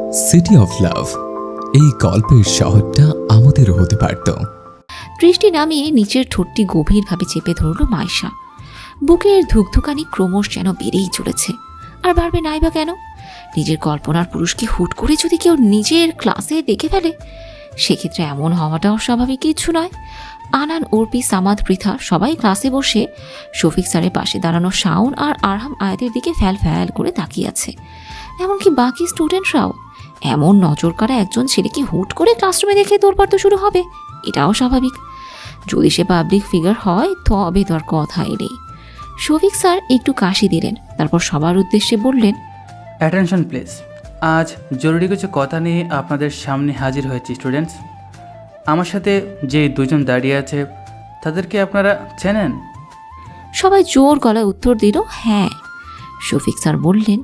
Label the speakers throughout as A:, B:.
A: City of love, এই গল্পের শহরটা আমাদেরও হতে পারত।
B: দৃষ্টি নামিয়ে নিচের ঠোঁটটি গভীরভাবে চেপে ধরল মাইশা। বুকের ধুকধুকানি ক্রমশ যেন বেড়েই চলেছে। আর বাড়বে নাই বা কেন? নিজের কল্পনার পুরুষকে হুট করে যদি কেউ নিজের ক্লাসে দেখে ফেলে, সেক্ষেত্রে এমন হওয়াটা অস্বাভাবিক কিছু নয়। আনান, অর্পি, সামাদ, পৃথা সবাই ক্লাসে বসে শফিক স্যারের পাশে দাঁড়ানো শাওন আর আরহাম আয়াতের দিকে ফ্যাল ফ্যাল করে তাকিয়ে আছে। এমনকি বাকি স্টুডেন্টরাও। এমন নজর কাড়া একজন ছেলেকে হুট করে ক্লাসরুমে দেখে তোড়পাড় তো শুরু হবে, এটাও স্বাভাবিক। যদি সে পাবলিক ফিগার হয় তবে তো আর কথাই নেই। শফিক স্যার একটু কাশি দিলেন, তারপর সবার উদ্দেশ্যে বললেন,
C: অ্যাটেনশন প্লিজ। আজ জরুরি কিছু কথা নিয়ে আপনাদের সামনে হাজির হয়েছি স্টুডেন্টস। আমার সাথে যে দুজন দাঁড়িয়ে আছে তাদেরকে আপনারা চেনেন?
B: সবাই জোর গলায় উত্তর দিল হ্যাঁ। শফিক স্যার বললেন,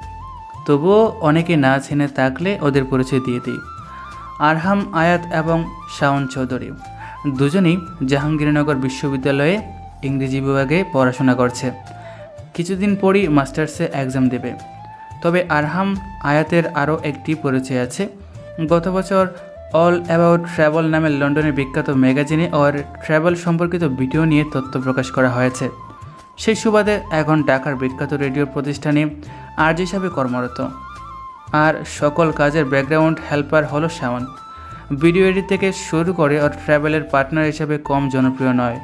C: তবুও অনেকে না চেনে থাকলে ওদের পরিচয় দিয়ে দিই। আরহাম আয়াত এবং শাওন চৌধুরী দুজনেই জাহাঙ্গীরনগর বিশ্ববিদ্যালয়ে ইংরেজি বিভাগে পড়াশোনা করছে। কিছুদিন পরই মাস্টার্সে এক্সাম দেবে। তবে আরহাম আয়াতের আরও একটি পরিচয় আছে। গত বছর অল অ্যাবাউট ট্রাভেল নামে লন্ডনের বিখ্যাত ম্যাগাজিনে ওর ট্রাভেল সম্পর্কিত ভিডিও নিয়ে তথ্য প্রকাশ করা হয়েছে। সেই সুবাদে এখন ঢাকার বিখ্যাত রেডিও প্রতিষ্ঠানে আর্জ হিসাবে কর্মরত। আর সকল কাজের ব্যাকগ্রাউন্ড হেল্পার হলো শাওন। ভিডিও এডিট থেকে শুরু করে ওর ট্রাভেলের পার্টনার হিসাবে কম জনপ্রিয় নয়।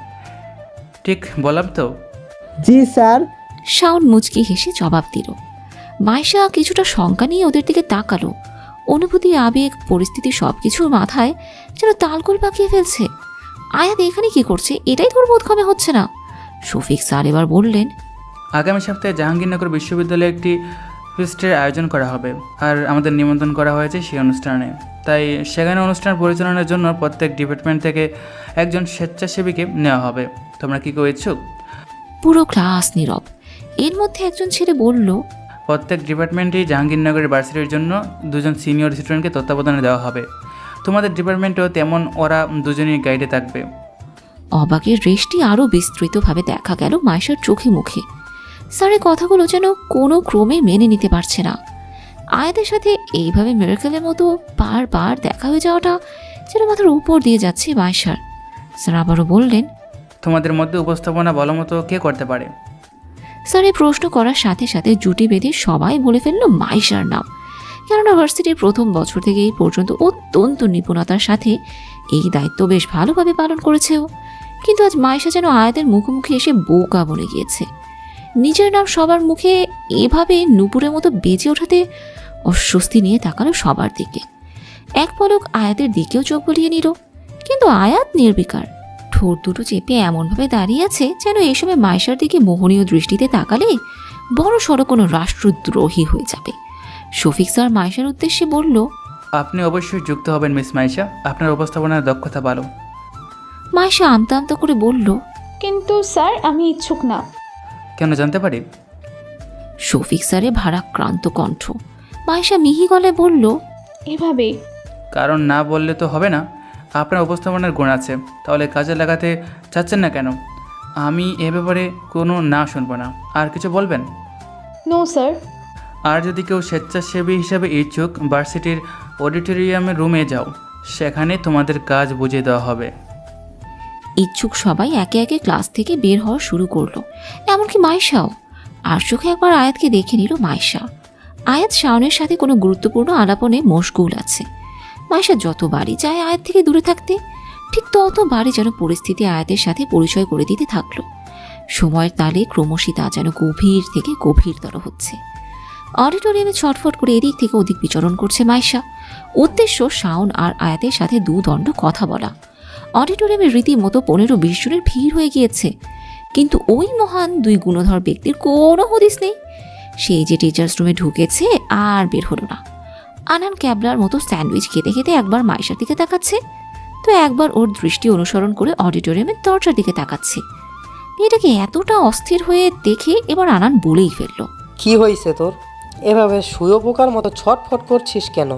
C: ঠিক বললাম তো?
D: জি স্যার।
B: শাওন মুচকি হেসে জবাব দিল। মাইশা কিছুটা শঙ্কা নিয়ে ওদের দিকে তাকালো। অনুভূতি, আবেগ, পরিস্থিতি সবকিছুর মাথায় যেন তালগোল পাকিয়ে ফেলছে। আয়াত এখানে কি করছে এটাই তোর বোধগম্য হচ্ছে না। শফিক স্যার এবার বললেন,
C: আগামী সপ্তাহে জাহাঙ্গীরনগর বিশ্ববিদ্যালয়ে একটি ফিস্টের আয়োজন করা হবে, আর আমাদের নিমন্ত্রণ করা হয়েছে সেই অনুষ্ঠানে। তাই সেখানে অনুষ্ঠান পরিচালনার জন্য প্রত্যেক ডিপার্টমেন্ট থেকে একজন স্বেচ্ছাসেবীকে নেওয়া হবে। তোমরা কি কেউ ইচ্ছুক?
B: পুরো ক্লাস নীরব। এর মধ্যে একজন ছেলে বলল,
C: প্রত্যেক ডিপার্টমেন্টেই জাহাঙ্গীরনগরের ভার্সিটির জন্য দুজন সিনিয়র স্টুডেন্টকে তত্ত্বাবধানে দেওয়া হবে। তোমাদের ডিপার্টমেন্টেও তেমন ওরা দুজনই গাইডে থাকবে।
B: অবাকের দৃষ্টি আরও বিস্তৃতভাবে দেখা গেল মাইশার চোখে মুখে। স্যারের কথাগুলো যেন কোনো ক্রমে মেনে নিতে পারছে না। আয়াতের সাথে এইভাবে মিরাকেলের মতো বারবার দেখা হয়ে যাওয়াটা যেন মাথার উপর দিয়ে যাচ্ছে মাইশার। স্যার আবারও বললেন,
C: তোমাদের মধ্যে উপস্থাপনা ভালো মতো কে করতে পারে?
B: স্যার এই প্রশ্ন করার সাথে সাথে জুটি বেঁধে সবাই বলে ফেলল মাইশার নাম। কেননা ভার্সিটির প্রথম বছর থেকে এই পর্যন্ত অত্যন্ত নিপুণতার সাথে এই দায়িত্ব বেশ ভালোভাবে পালন করেছে ও। কিন্তু আজ মাইশা যেন আয়াতের মুখোমুখি এসে বোকা বলে গিয়েছে। নিজের নাম সবার মুখে এভাবে নুপুরের মতো বেজে ওঠাতে অস্বস্তি নিয়ে তাকালো সবার দিকে। এক পলক আয়াতের দিকেও চোখ বুলিয়ে নিল, কিন্তু আয়াত নির্বিকার। ঠোঁট দুটো চেপে এমনভাবে দাঁড়িয়ে আছে যেন এই সময় মাইশার দিকে মোহনীয় দৃষ্টিতে তাকালে বড় সড়ো কোনো রাষ্ট্রদ্রোহী হয়ে যাবে। শফিক স্যার মাইশার উদ্দেশ্যে বলল,
C: আপনি অবশ্যই যুক্ত হবেন মিস মাইশা, আপনার উপস্থাপনার দক্ষতা ভালো।
B: মাইশা আমতা আমতা করে বলল,
E: কিন্তু স্যার আমি ইচ্ছুক না।
C: কেন জানতে পারি?
B: শফিক স্যারে ভারাক্রান্ত কণ্ঠ। মাইশা মিহি গলায় বলল,
E: এভাবে।
C: কারণ না বললে তো হবে না। আপনার উপস্থাপনার গুণ আছে, তাহলে কাজে লাগাতে চাচ্ছেন না কেন? আমি এ ব্যাপারে কোনো না শুনবো না। আর কিছু বলবেন?
E: No sir.
C: আর যদি কেউ স্বেচ্ছাসেবী হিসাবে ইচ্ছুক, ভার্সিটির অডিটোরিয়ামের রুমে যাও, সেখানে তোমাদের কাজ বুঝিয়ে দেওয়া হবে।
B: ইচ্ছুক সবাই একে একে ক্লাস থেকে বের হওয়া শুরু করলো, এমনকি মাইশাও। আর চোখে একবার আয়াতকে দেখে নিল মাইশা। আয়াত শাওনের সাথে কোনো গুরুত্বপূর্ণ আলাপনে মশগুল আছে। মাইশা যতবারই চায় আয়াত থেকে দূরে থাকতে, ঠিক ততবারই যেন পরিস্থিতি আয়াতের সাথে পরিচয় করে দিতে থাকলো। সময়ের তালে ক্রমশই তা যেন গভীর থেকে গভীরতর হচ্ছে। অডিটোরিয়ামে ছটফট করে এদিক থেকে ওদিক বিচরণ করছে মাইশা। উদ্দেশ্য শাওন আর আয়াতের সাথে দুদণ্ড কথা বলা। অডিটোরিয়ামে রীতিমতো 15-20 জনের ভিড় হয়ে গিয়েছে, কিন্তু ওই মহান দুই গুণধর ব্যক্তির কোনো হদিস নেই। সেই যে টিচার্স রুমে ঢুকেছে আর বের হলো না। আনান ক্যাবলার মতো স্যান্ডউইচ খেতে খেতে একবার মাইশার দিকে তাকাচ্ছে, তো একবার ওর দৃষ্টি অনুসরণ করে অডিটোরিয়ামের দরজার দিকে তাকাচ্ছে। মেয়েটাকে এতটা অস্থির হয়ে দেখে এবার আনান বলেই ফেলল,
D: কি হয়েছে তোর? এভাবে শুয়োপোকার মতো ছটফট করছিস কেন?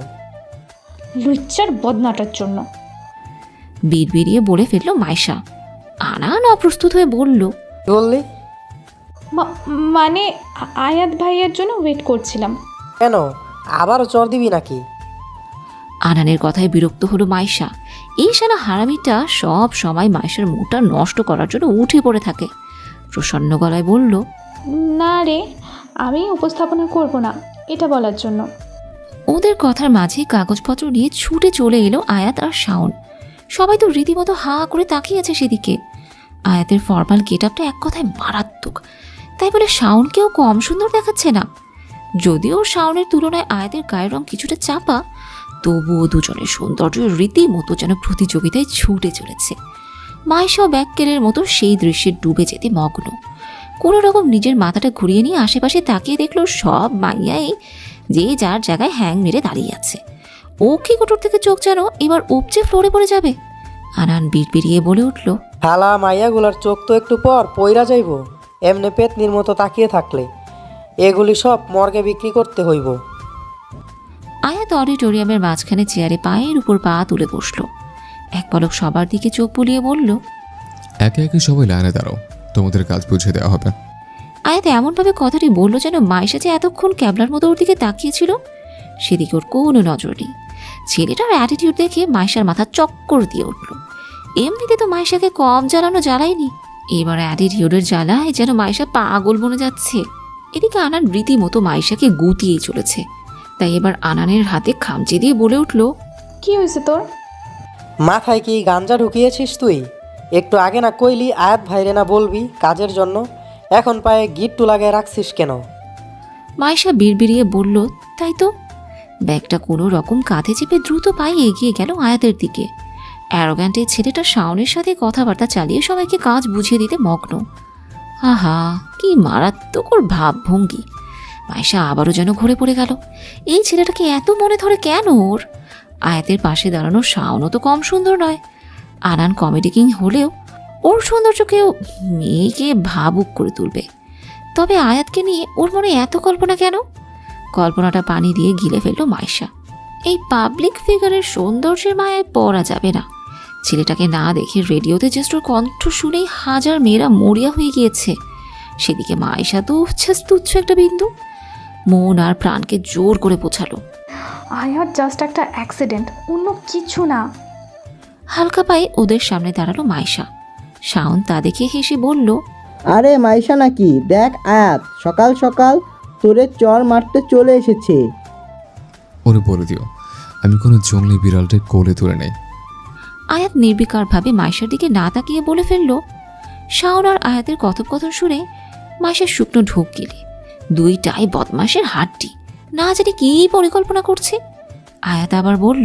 E: লুচ্চার বদনাটার জন্য।
B: বিড়বিড়িয়ে বলে ফেলল মাইশা। আনান অপ্রস্তুত হয়ে বলল,
D: কি বললি?
E: মানে আয়াত ভাইয়ের জন্য ওয়েট করছিলাম।
D: কেন? আবারও চর দিবি নাকি?
B: আনানের কথায় বিরক্ত হলো মাইশা। এই শালা হারামিটা সব সময় মাইশার মুডটা নষ্ট করার জন্য উঠে পড়ে থাকে। প্রসন্ন গলায় বলল,
E: না রে, আমি উপস্থাপনা করব না, এটা বলার জন্য।
B: ওদের কথার মাঝে কাগজপত্র নিয়ে ছুটে চলে এলো আয়াত আর শাওন। সবাই তো রীতিমতো হা করে তাকিয়ে আছে সেদিকে। আয়াতের ফর্মাল গেট আপটা এক কথায় মারাত্মক, তাই বলে শাওনকেও কম সুন্দর দেখাচ্ছে না। যদিও শাওনের তুলনায় আয়াতের গায়ের রং কিছুটা চাপা, তবুও দুজনের সৌন্দর্য রীতিমতো যেন প্রতিযোগিতায় ছুটে চলেছে। মাইশাও ব্যাককেলের মতো সেই দৃশ্যে ডুবে যেতে মগ্ন। কোনো রকম নিজের মাথাটা ঘুরিয়ে নিয়ে আশেপাশে তাকিয়ে দেখলো সব মাইয়াই যে যার জায়গায় হ্যাং মেরে দাঁড়িয়ে আছে। ও কি কোটর থেকে চোখ যেন এবার উপচে ফ্লোরে পড়ে যাবে। আনান বিড়বিড়িয়ে বলে উঠল,
D: হালা মাইয়াগুলার চোখ তো একটু পর পইরা যাইব, এমনি পেতনির মতো তাকিয়ে থাকলে। এগুলি সব মর্গে বিক্রি করতে হইব।
B: আয়াত অডিটোরিয়ামের মাঝখানে চেয়ারে পায়ের উপর পা তুলে বসলো। এক পলক সবার দিকে চোখ বুলিয়ে বলল,
A: একে একে সবাই লাইনে দাঁড়াও, তোমাদের কাজ বুঝিয়ে দেওয়া হবে।
B: আয়াত এমনভাবে কথাটি বলল যেন মাইশা যে এতক্ষণ ক্যাবলার মতো ওর দিকে তাকিয়েছিল সেদিকে ওর কোনো নজর নেই। ছেলেটার অ্যাটিটিউড দেখে মাইশার মাথা চক্কর দিয়ে উঠল। এমনিতে তো মাইশাকে কম জ্বালানো জ্বালায়নি, এবার অ্যাটিটিউডের জ্বালায় যেন মাইশা পাগল বনে যাচ্ছে। এদিকে আনান রীতিমতো মাইশাকে গুটিয়েই চলেছে। তাই এবার আনানের হাতে খামচে দিয়ে বলে উঠল,
E: কি হয়েছে তোর?
D: মাথায় কি গাঞ্জা ঢুকিয়েছিস তুই? একটু আগে না কইলি আয়াত ভাইরে না বলবি কাজের জন্য, এখন পায়ে গিট্টু লাগায় রাখছিস কেন?
B: মাইশা বিড়বিড়িয়ে বলল, তাই তো। ব্যাগটা কোনো রকম কাঁধে চেপে দ্রুত পায়ে এগিয়ে গেল আয়াতের দিকে। অ্যারোগ্যান্ট এই ছেলেটা শাওনের সাথে কথাবার্তা চালিয়ে সবাইকে কাজ বুঝিয়ে দিতে মগ্ন। আহা, কি মারাত্মক ওর ভাবভঙ্গি। মাইশা আবারও যেন ঘুরে পড়ে গেল। এই ছেলেটাকে এত মনে ধরে কেন ওর? আয়াতের পাশে দাঁড়ানো শাওনও তো কম সুন্দর নয়। আনান কমেডি কিং হলেও ওর সৌন্দর্যকেও মেয়েকে ভাবুক করে তুলবে। তবে আয়াতকে নিয়ে ওর মনে এত কল্পনা কেন? কল্পনাটা পানি দিয়ে গিলে ফেলল মাইশা। এই পাবলিক ফিগারের সৌন্দর্যের মায়ায় পড়া যাবে না। ছেলেটাকে না দেখে রেডিওতে জাস্ট ওর কণ্ঠ শুনেই হাজার মেয়েরা মরিয়া হয়ে গিয়েছে। সেদিকে মাইশা তো উচ্ছ্বাস তুচ্ছ একটা বিন্দু। মন আর প্রাণকে জোর করে পোছালো।
E: আয়াত জাস্ট একটা অ্যাক্সিডেন্ট, অন্য কিছু না।
B: হালকা পায়ে ওদের সামনে দাঁড়ালো মাইশা। শাওন তা দেখে হেসে বলল,
F: আরে মাইশা নাকি, দেখ আয়াত সকাল সকাল তোরে চর মারতে চলে এসেছে।
A: ওরে বলে দিও আমি কোনো জঙ্গলি বিড়ালটা কোলে তুলে নেই।
B: আয়াত নির্বিকারভাবে মাইশার দিকে না তাকিয়ে বলে ফেলল। শাওন আর আয়াতের কথোপকথন শুনে মাইশার শুকনো ঢোক গেলে দুইটাই বদমাশের হাড্ডি, না জানি কী পরিকল্পনা করছে। আয়াত আবার বলল,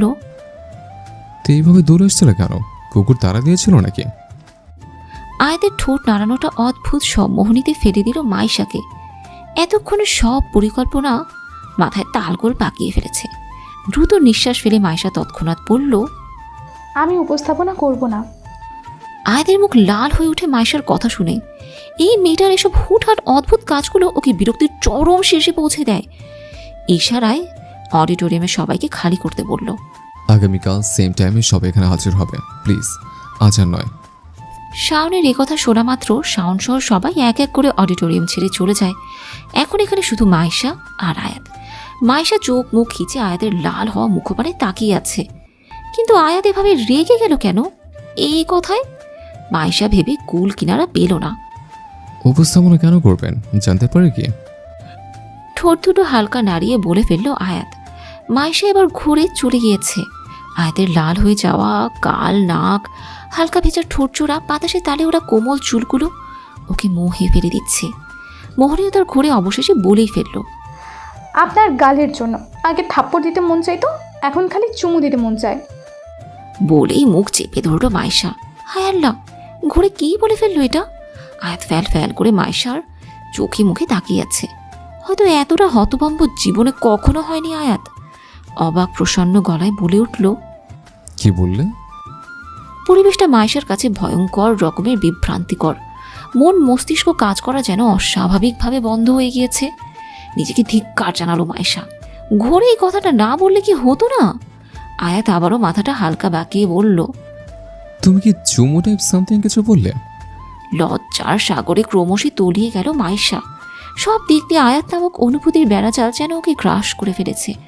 A: তো এইভাবে দৌড়ে এসছিল কেন? কুকুর তাড়া দিয়েছিল নাকি?
B: আয়াতের ঠোঁট নাড়ানোটা অদ্ভুত সম্মোহনীতে ফেলে দিল মাইশাকে। এতক্ষণে সব পরিকল্পনা মাথায় তালগোল পাকিয়ে ফেলেছে। দ্রুত নিঃশ্বাস ফেলে মাইশা তৎক্ষণাৎ বলল,
E: আমি উপস্থাপনা করব না।
B: আয়াতের মুখ লাল হয়ে ওঠে মাইশার কথা শুনে। এই মেয়েটার এসব হুটহাট অদ্ভুত কাজগুলো ওকে বিরক্তির চরম শীর্ষে পৌঁছে দেয়। ইশারায় অডিটোরিয়ামে সবাইকে খালি করতে বলল।
A: আগামীকাল সেম টাইমে সবাই এখানে হাজির হবে প্লিজ, আজ আর নয়।
B: শাওনের একথা শোনা মাত্র শাওন সহ সবাই এক এক করে অডিটোরিয়াম ছেড়ে চলে যায়। এখন এখানে শুধু মাইশা আর আয়াত। মাইশা চোখ মুখ খিচে আয়াতের লাল হওয়া মুখপানে তাকিয়ে আছে। কিন্তু আয়াত এভাবে রেগে গেল কেন এই কথায়? মাইশা ভেবে কুল কিনারা পেল না।
A: উপস্থাপনা কেন করবেন জানতে পারে কি?
B: ঠোঁট দুটো হালকা নাড়িয়ে বলে ফেলল আয়াত। মাইশা এবার ঘুরে চলে গিয়েছে। আয়াতের লাল হয়ে যাওয়া কাল নাক, হালকা ভেজা ঠোঁট জোড়া, বাতাসে তালে ওরা কোমল চুলগুলো ওকে মোহে ফেলে দিচ্ছে। মোহনীয়তার ঘুরে অবশেষে বলেই ফেলল,
E: আপনার গালের জন্য আগে থাপ্পড় দিতে মন চাইতো, এখন খালি চুমু দিতে মন চায়।
B: বলেই মুখ চেপে ধরল মাইশা। হায় আল্লাহ, ঘুরে কী বলে ফেললো এটা? আয়াত ফ্যাল ফ্যাল করে মাইশার চোখে মুখে তাকিয়ে আছে। হয়তো এতটা হতভম্ব জীবনে কখনো হয়নি আয়াত। অবাক প্রসন্ন গলায় বলে উঠল,
A: কি বললে?
B: পরিবেশটা মাইশার কাছে ভয়ঙ্কর রকমের বিভ্রান্তিকর। মন মস্তিষ্ক কাজ করা যেন অস্বাভাবিকভাবে বন্ধ হয়ে গিয়েছে। নিজেকে ধিক্কার জানালো মাইশা। ঘোরে এই কথাটা না বললে কি হতো না? আয়াত আবারও মাথাটা হালকা বাঁকিয়ে বলল,
A: তুমি কি চুমো টাইপ সামথিং কিছু বললে?
B: লজ্জার সাগরে ক্রমশই তলিয়ে গেল মাইশা। সব দিক দিয়ে আয়াত নামক অনুভূতির বেড়াজাল যেন ওকে গ্রাস করে ফেলেছে।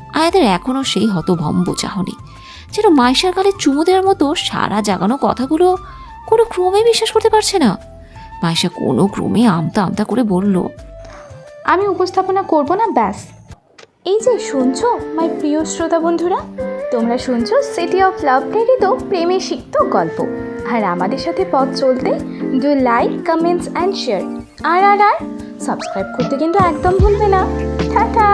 B: আয়াতের এখনও সেই হতভম্ব চাহনি, যেন মাইশার গালে চুমু দেওয়ার মতো সারা জাগানো কথাগুলো কোনো ক্রমে বিশ্বাস করতে পারছে না। মাইশা কোনো ক্রমে আমতা আমতা করে বলল,
E: আমি উপস্থাপনা করব না, ব্যাস। এই যে শুনছো মাই প্রিয় শ্রোতা বন্ধুরা, তোমরা শুনছো সিটি অফ লাভ প্রেরিত প্রেমে সিক্ত গল্প। আর আমাদের সাথে পথ চলতে do like, comments and share. আর আর আর সাবস্ক্রাইব করতে কিন্তু একদম ভুলবে না। টাটা।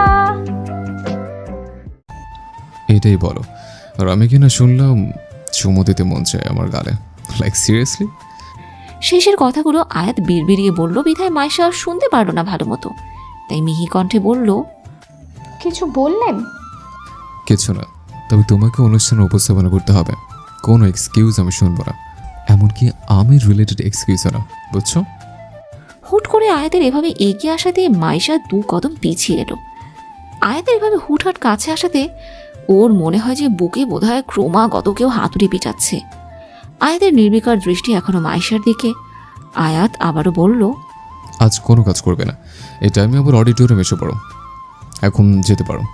A: এটাই বলো, আর আমি কিনা শুনলাম চুমু দিতে মন চায় আমার গালে। Like seriously?
B: শেষের কথাগুলো আয়াত বিড়বিড়িয়ে বলল বিধায় মাইশা আর শুনতে পারল না ভালো মতো। তাই মিহি কণ্ঠে বলল,
E: কিছু বললেন?
A: কিছু না, তবে তোমাকে অনুষ্ঠানে উপস্থাপনা করতে হবে। কোনো এক্সকিউজ আমি শুনবো না, এমনকি আমি রিলেটেড এক্সকিউজও না, বুঝছো?
B: হুট করে আয়াতের এভাবে এগিয়ে আসাতে মাইশা 2 কদম পিছিয়ে এলো। আয়াতের এভাবে হুটহাট কাছে আসাতে ওর মনে হয় যে বুকে বোধহয় ক্রমাগত কেউ হাতুড়ি পিটাচ্ছে। আয়াতের নির্বিকার দৃষ্টি এখনো মাইশার দিকে। আয়াত আবারও বলল,
A: আজ কোনো কাজ করবে না, এই টাইমে আবার অডিটোরিয়াম এসে পড়ো, এখন যেতে পারো।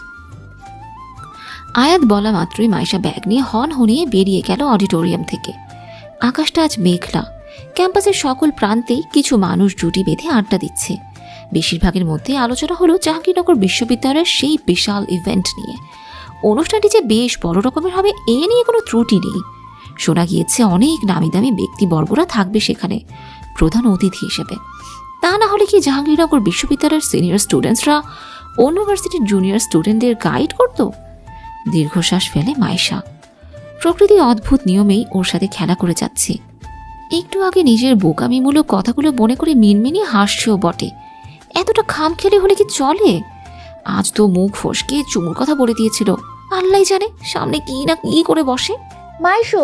B: আয়াত বলা মাত্রই মাইশা ব্যাগ নিয়ে হন হনিয়ে বেরিয়ে গেল অডিটোরিয়াম থেকে। আকাশটা আজ মেঘলা। ক্যাম্পাসের সকল প্রান্তেই কিছু মানুষ জুটি বেঁধে আড্ডা দিচ্ছে। বেশিরভাগের মধ্যে আলোচনা হলো জাহাঙ্গীরনগর বিশ্ববিদ্যালয়ের সেই বিশাল ইভেন্ট নিয়ে। অনুষ্ঠানটি যে বেশ বড় রকমের হবে এ নিয়ে কোনো ত্রুটি নেই। শোনা গিয়েছে অনেক নামি দামি ব্যক্তিবর্গরা থাকবে সেখানে প্রধান অতিথি হিসেবে। তা না হলে কি জাহাঙ্গীরনগর বিশ্ববিদ্যালয়ের সিনিয়র স্টুডেন্টসরা ইউনিভার্সিটির জুনিয়র স্টুডেন্টদের গাইড করত? দীর্ঘশ্বাস ফেলে মাইশা। প্রকৃতি অদ্ভুত নিয়মেই ওর সাথে খেলা করে যাচ্ছে। একটু আগে নিজের বোকামিমূলক কথাগুলো মনে করে মিনমিনিয়ে হাসছেও বটে। এতটা খামখেয়ালি হলে কি চলে? আজ তো মুখ ফসকে চুমুর কথা বলে দিয়েছিল। আল্লাহ জানে সামনে কি না কি করে বসে।
G: মাইশো,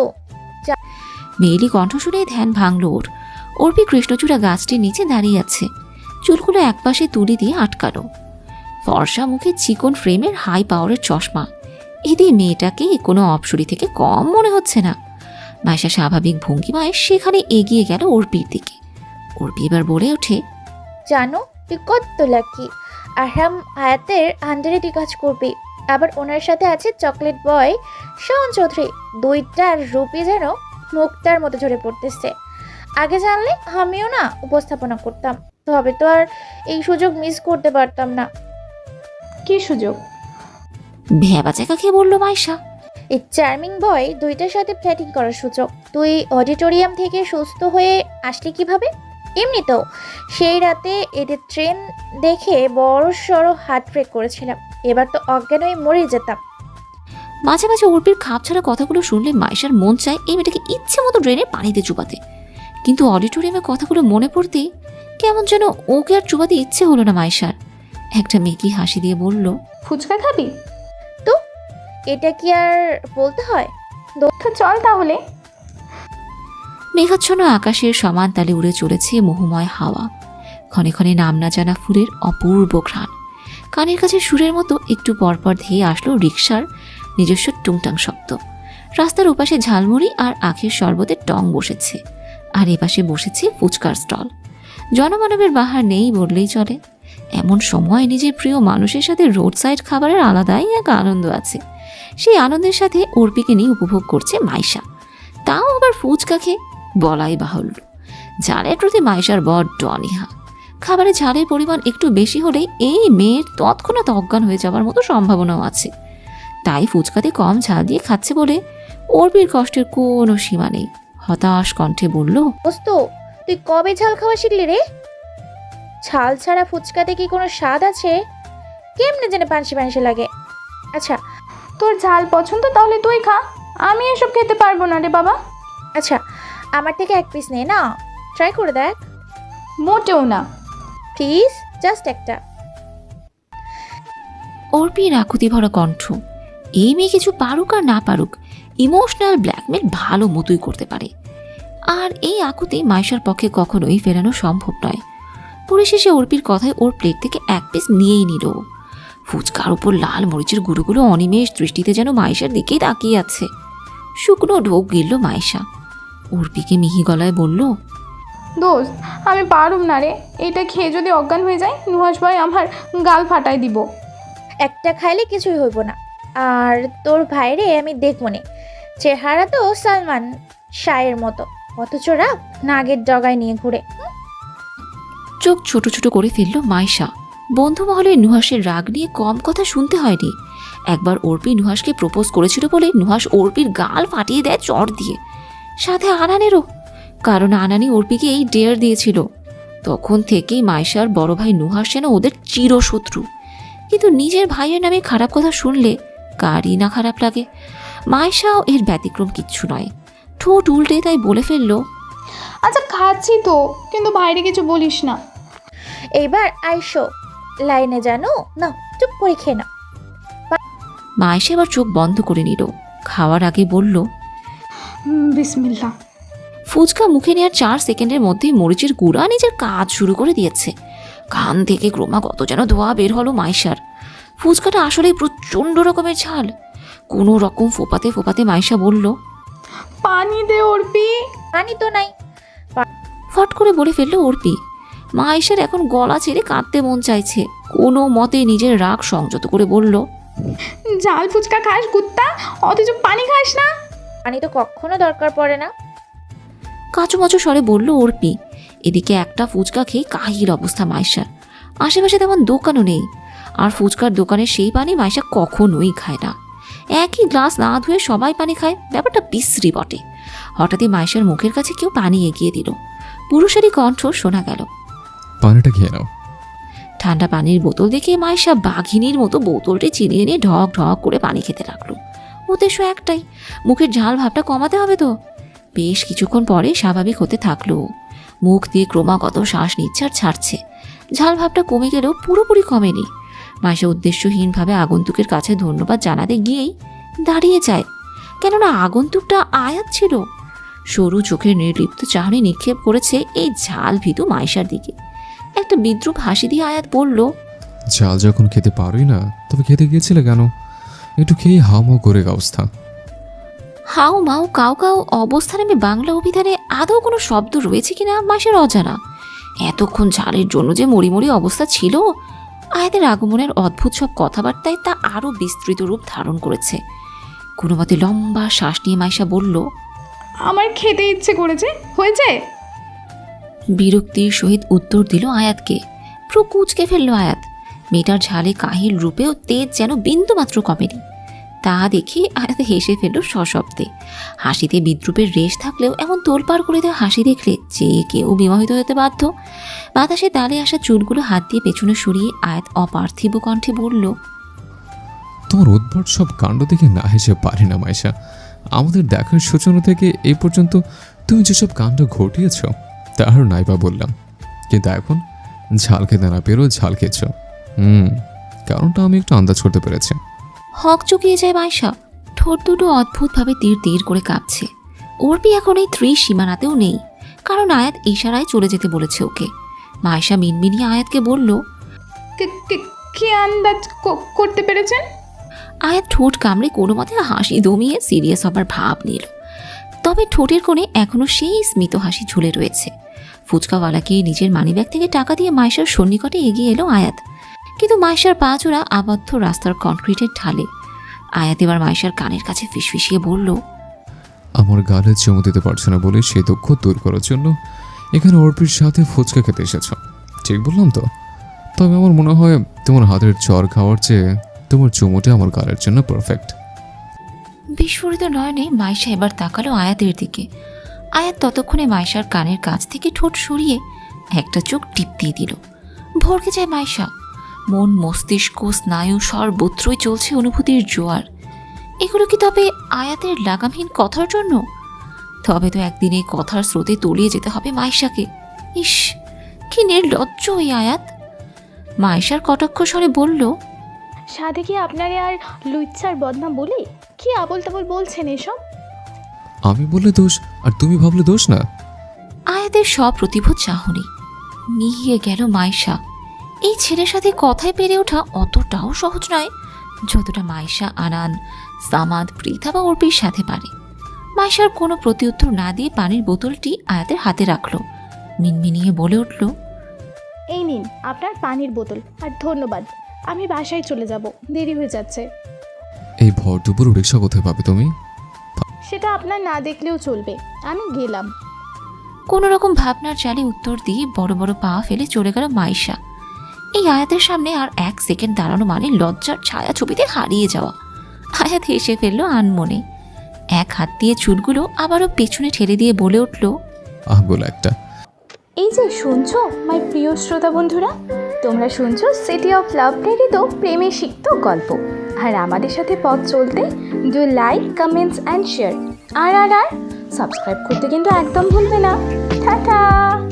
B: মেয়েলি কণ্ঠ শুনে ধ্যান ভাঙল ওর। অর্পি কৃষ্ণচূড়া গাছটির নিচে দাঁড়িয়ে আছে, চুলগুলো একপাশে তুলি দিয়ে আটকানো। ফর্সা মুখে চিকন ফ্রেমের হাই পাওয়ারের চশমা। এদের মেয়েটাকে কোনো অপসরি থেকে কম মনে হচ্ছে না। মাইশা স্বাভাবিক ভঙ্গিমায় সেখানে এগিয়ে গেল অর্পির দিকে। অর্পি এবার বলে ওঠে,
G: জানো তুই কত লাকি। আহরাম আয়াতের আন্ডারে তুই কাজ করবি। আবার ওনার সাথে আছে চকলেট বয় শাওন চৌধুরী। দুইটার রূপে যেন মুক্তার মতো ঝরে পড়তেছে। আগে জানলে আমিও না উপস্থাপনা করতাম, তবে তো আর এই সুযোগ মিস করতে পারতাম না।
E: কি সুযোগ?
B: ভেবা চাকা খেয়ে বলল মাইশা।
G: এই চার্মিং বয় দুইটার সাথে ফ্ল্যাটিং করার সুযোগ। তুই অডিটোরিয়াম থেকে সুস্থ হয়ে আসলি কিভাবে? এমনিতেও সেই রাতে এদের ট্রেন দেখে বড় সড়ো হার্ট ব্রেক করেছিলাম। এবার তো অজ্ঞান হয়ে মরে যেতাম।
B: মাঝে মাঝে অর্পির খাপ ছাড়া কথাগুলো শুনলে মাইশার মন চায় এই মেয়েটাকে ইচ্ছে মতো ড্রেনে পানিতে চুবাতে। কিন্তু অডিটোরিয়ামের কথাগুলো মনে পড়তেই কেমন যেন ওকে আর চুবাতে ইচ্ছে হলো না মাইশার। একটা মেকি হাসি দিয়ে বলল,
E: ফুচকা খাবি?
G: তো এটা কি আর বলতে হয়?
E: তো চল তাহলে।
B: মেঘাচ্ছন্ন আকাশের সমান তালে উড়ে চলেছে মোহময় হাওয়া। ক্ষণে ক্ষণে নাম না জানা ফুলের অপূর্ব ঘ্রাণ। কানের কাছে সুরের মতো একটু পরপর ধেয়ে আসলো রিকশার নিজস্ব টুংটাং শব্দ। রাস্তার ওপাশে ঝালমুড়ি আর আখের শরবতের টং বসেছে, আর এপাশে বসেছে ফুচকার স্টল। জনমানবের বাহার নেই বললেই চলে। এমন সময় নিজের প্রিয় মানুষের সাথে রোড সাইড খাবারের আলাদাই এক আনন্দ আছে। সেই আনন্দের সাথে অর্পিকে নিয়ে উপভোগ করছে মাইশা, তাও আবার ফুচকা খেয়ে। বলাই বাহুল্য, ঝালের প্রতি মাইশার বড্ড অনীহা। খাবারে ঝালের পরিমাণ একটু বেশি হলে এই মেয়ের তৎক্ষণাৎ অজ্ঞান হয়ে যাওয়ার মতো সম্ভাবনাও আছে। তাই ফুচকাতে কম ঝাল দিয়ে খাচ্ছে বলে অর্পির কষ্টের কোনো সীমা নেই। হতাশ কণ্ঠে বলল,
G: দোস্ত তুই কবে ঝাল খাওয়া শিখলি রে? ঝাল ছাড়া ফুচকাতে কি কোনো স্বাদ আছে? কেমনে যেন পানসি পানসি লাগে। আচ্ছা
E: তোর ঝাল পছন্দ, তাহলে তুই খা। আমি এসব খেতে পারবো না রে বাবা।
G: আচ্ছা আমার থেকে এক পিস নে না, ট্রাই করে দেখ।
E: মোটেও না।
G: প্লিজ জাস্ট একটা।
B: অর্পির আকুতি ভরা কণ্ঠ। এই মেয়ে কিছু পারুক আর না পারুক, ইমোশনাল ব্ল্যাকমেল ভালো মতোই করতে পারে। আর এই আকুতি মাইশার পক্ষে কখনোই ফেরানো সম্ভব নয়। পরিশেষে অর্পির কথায় ওর প্লেট থেকে এক পিস নিয়েই নিল। ফুচকার উপর লাল মরিচের গুঁড়োগুলো অনিমেষ দৃষ্টিতে যেন মাইশার দিকেই তাকিয়ে আছে। শুকনো ঢোক গিলল মাইশা। অর্পিকে মিহি গলায় বলল,
E: দোস্ত আমি পারুম না রে, এটা খেয়ে যদি অজ্ঞান হয়ে যায় নুহাস ভাই আমার গাল ফাটাই দিব।
G: একটা খাইলে কিছুই হইব না। আর তোর ভাইরে আমি দেখব নে, চেহারা তো সালমান শাহের মতো, অথচ রাগ নাগের ডগায় নিয়ে ঘুরে।
B: চোখ ছোট ছোট করে ফেলল মাইশা। বন্ধু মহলে নুহাসের রাগ নিয়ে কম কথা শুনতে হয়নি। একবার অর্পি নুহাসকে প্রপোজ করেছিল বলে নুহাস অর্পির গাল ফাটিয়ে দেয় চড় দিয়ে, সাথে আনানেরও, কারণ আনানি অর্পিকে এই ডেয়ার দিয়েছিল। তখন থেকেই মাইশার বড় ভাই নুহাস যেন ওদের চিরশত্রু। কিন্তু নিজের ভাইয়ের নামে খারাপ কথা শুনলে কারই না খারাপ লাগে। মাইশাও এর ব্যতিক্রম কিচ্ছু নয়। ঠোঁট উল্টে তাই বলে ফেললো,
E: আচ্ছা খাচ্ছি তো, কিন্তু বাইরে কিছু বলিস না।
G: এইবার আইসো লাইনে, জানো না, চুপ করে খেয়ে নাও।
B: মাইশা এবার চোখ বন্ধ করে নিল। খাওয়ার আগে বলল,
E: বিসমিল্লাহ।
B: ফুচকা মুখে নেওয়ার 4 সেকেন্ডের মধ্যেই মরিচের গুঁড়া নিজের কাজ শুরু করে দিয়েছে। কান থেকে ক্রমাগত যেন ধোয়া বের হলো মাইশার। ফুচকাটা আসলেই প্রচণ্ড রকমের ঝাল। কোনো রকম ফোপাতে ফোপাতে মাইশা বলল,
E: পানি দে অর্পি।
G: পানি তো নাই।
B: ফট করে বলে ফেললো অর্পি। মাইশার এখন গলা ছেড়ে কাঁদতে মন চাইছে। কোনো মতে নিজের রাগ সংযত করে বলল,
E: ঝাল ফুচকা খাস কুত্তা, অথচ পানি খাস না।
G: পানি তো কখনো দরকার পড়ে না।
B: কাঁচুমাচু স্বরে বলল অর্পি। এদিকে একটা ফুচকা খেয়ে কাহিল অবস্থা মাইশার। আশেপাশে তেমন দোকানও নেই। আর ফুচকার দোকানের সেই পানি মাইশা কখনোই খায় না। একই গ্লাস না ধুয়ে সবাই পানি খায়, ব্যাপারটা বিশ্রী বটে। হঠাৎই মাইশার মুখের কাছে কেউ পানি এগিয়ে দিল। পুরুষেরই কণ্ঠ শোনা গেল,
A: পানিটা খেয়ে নাও।
B: ঠান্ডা পানির বোতল দেখে মাইশা বাঘিনীর মতো বোতলটি চিনিয়ে নিয়ে ঢক ঢক করে পানি খেতে লাগলো। উদ্দেশ্য একটাই, মুখের ঝাল ভাবটা কমাতে হবে তো। বেশ কিছুক্ষণ পরে স্বাভাবিক হতে থাকলো। মুখ দিয়ে ক্রমাগত শ্বাস নিচ্ছে আর ছাড়ছে। ঝাল ভাবটা কমে গেলেও পুরোপুরি কমেনি। মাইশা উদ্দেশ্যহীনভাবে আগন্তুকের কাছে ধন্যবাদ জানাতে গিয়েই দাঁড়িয়ে যায়, কেননা আগন্তুকটা আয়াত ছিল। সরু চোখের নির্লিপ্ত চাহনি নিক্ষেপ করেছে এই ঝাল ভীতু মাইশার দিকে। একটা বিদ্রুপ হাসি দিয়ে আয়াত বলল,
A: ঝাল যখন খেতে পারোই না, তবে খেতে গিয়েছিলে কেন? একটু খেয়ে হাওমাও করে অবস্থা।
B: হাও মাও কাউ কাউ অবস্থা নেমে বাংলা অভিধানে আদৌ কোনো শব্দ রয়েছে কিনা মাইশার অজানা। এতক্ষণ ঝালের জন্য যে মরিমরি অবস্থা ছিল, আয়াতের আগমনের অদ্ভুত সব কথাবার্তায় তা আরও বিস্তৃত রূপ ধারণ করেছে। কোনো মতে লম্বা শ্বাস নিয়ে মাইশা বলল,
E: আমার খেতে ইচ্ছে করেছে, হয়েছে।
B: বিরক্তির সহিত উত্তর দিল আয়াতকে। প্রো কুচকে ফেলল আয়াত। মেয়েটার ঝালে কাহিল রূপেও তেজ যেন বিন্দুমাত্র কমেনি। তা দেখে আয়াত হেসে ফেলল সশব্দে। হাসিতে বিদ্রুপের রেশ থাকলেও এমন তোলপাড় করে দেওয়া হাসি দেখলে যে কেউ বিমোহিত হতে বাধ্য। বাতাসে তালে আসা চুলগুলো হাত দিয়ে পেছনে সরিয়ে আয়াত অপার্থিব কণ্ঠে বলল,
A: তোমার উদ্ভট সব কাণ্ড দেখে না হেসে পারি না মাইশা। আমাদের দেখার সূচনা থেকে এই পর্যন্ত তুমি যেসব কাণ্ড ঘটিয়েছ তার নাইবা বললাম, কিন্তু এখন ঝাল খেতে না পেরেও ঝাল খেয়েছ। কারণটা আমি একটু আন্দাজ করতে পেরেছি।
B: হক চুকিয়ে যায় মাইশা। ঠোঁট দুটো অদ্ভুতভাবে তীর তীর করে কাঁপছে। অর্পি এখন এই সীমানাতেও নেই, কারণ আয়াত ইশারায় চলে যেতে বলেছে ওকে। মাইশা মিনমিনিয়ে আয়াতকে বলল,
E: কি আন্দাজ করতে পেরেছেন?
B: আয়াত ঠোঁট কামড়ে কোনো মতে হাসি দমিয়ে সিরিয়াস হবার ভাব নিল। তবে ঠোঁটের কোণে এখনও সেই স্মিত হাসি ঝুলে রয়েছে। ফুচকাওয়ালাকে নিজের মানিব্যাগ থেকে টাকা দিয়ে মাইশার সন্নিকটে এগিয়ে এলো আয়াত। কিন্তু মাইশার পা চোরা আবদ্ধ রাস্তার কনক্রিটের ঢালে। আয়াত এবার মাইশার কানের কাছে ফিসফিসিয়ে বলল,
A: আমার গালে চুমু দিতে পারছো না বলে সেই দুঃখ দূর করার জন্য এখানে অর্পির সাথে ফুচকা খেতে এসেছ, ঠিক বললাম তো? তবে আমার মনে হয় তোমার হাতের চর খাওয়ার চেয়ে তোমার চুমুটা আমার গালের জন্য পারফেক্ট।
B: বিস্ফোরিত নয়নে মাইশা এবার তাকালো আয়াতের দিকে। আয়াত ততক্ষণে মাইশার কানের কাছ থেকে ঠোঁট সরিয়ে একটা চোখ টিপ দিয়ে দিল। ভরকে যায় মাইশা। মন, মস্তিষ্ক, স্নায়ু সর্বত্রই চলছে অনুভূতির জোয়ার। এগুলো কি তবে আয়াতের লাগামহীন কথার জন্য? তবে তো একদিন এই কথার স্রোতে তলিয়ে যেতে হবে মাইশাকে। ইস, কি নির্লজ্জ ওই আয়াত। মাইশার কটাক্ষ স্বরে বলল,
E: সাধে কি আপনারে আর লুচ্ছার বদনাম বলে কি আবল তাবল বলছেন এসব?
A: আমি বললে দোষ আর তুমি ভাবলে দোষ না?
B: আয়াতের সপ্রতিভ চাহনি মিহিয়ে গেল মাইশা। এই ছেলের সাথে কথায় পেরে ওঠা অতটাও সহজ নয় যতটা মাইশা, আনান, সামাদ, পৃথা বা অর্পির সাথে পারে। মাইশার কোনো প্রতিউত্তর না দিয়ে পানির বোতলটি আয়াতের হাতে রাখলো। মিনমিনিয়ে বলে উঠল,
E: এই নিন আপনার পানির বোতল, আর ধন্যবাদ। আমি বাসায় চলে যাব, দেরি হয়ে যাচ্ছে।
A: এই ভর দুপুর রিক্সা কোথায় পাবে তুমি?
E: সেটা আপনার না দেখলেও চলবে, আমি গেলাম।
B: কোনো রকম ভাবনার জালে উত্তর দিয়ে বড় বড় পা ফেলে চলে গেল মাইশা। এই আয়াতের সামনে আর এক সেকেন্ড দাঁড়ানো মানে লজ্জার ছায়া ছবিতে হারিয়ে যাওয়া। আয়াত হেসে ফেলল আনমনে, এক হাত দিয়ে চুলগুলো আবারও পেছনে ঠেলে দিয়ে বলে উঠল,
A: আহবল একটা।
E: এই যে শুনছো মাই প্রিয় শ্রোতা বন্ধুরা, তোমরা শুনছো সিটি অফ লাভ প্রেরিত প্রেমে সিক্ত গল্প। আর আমাদের সাথে পথ চলতে do like, comments and share. আর সাবস্ক্রাইব করতে কিন্তু একদম ভুলবে না। টাটা।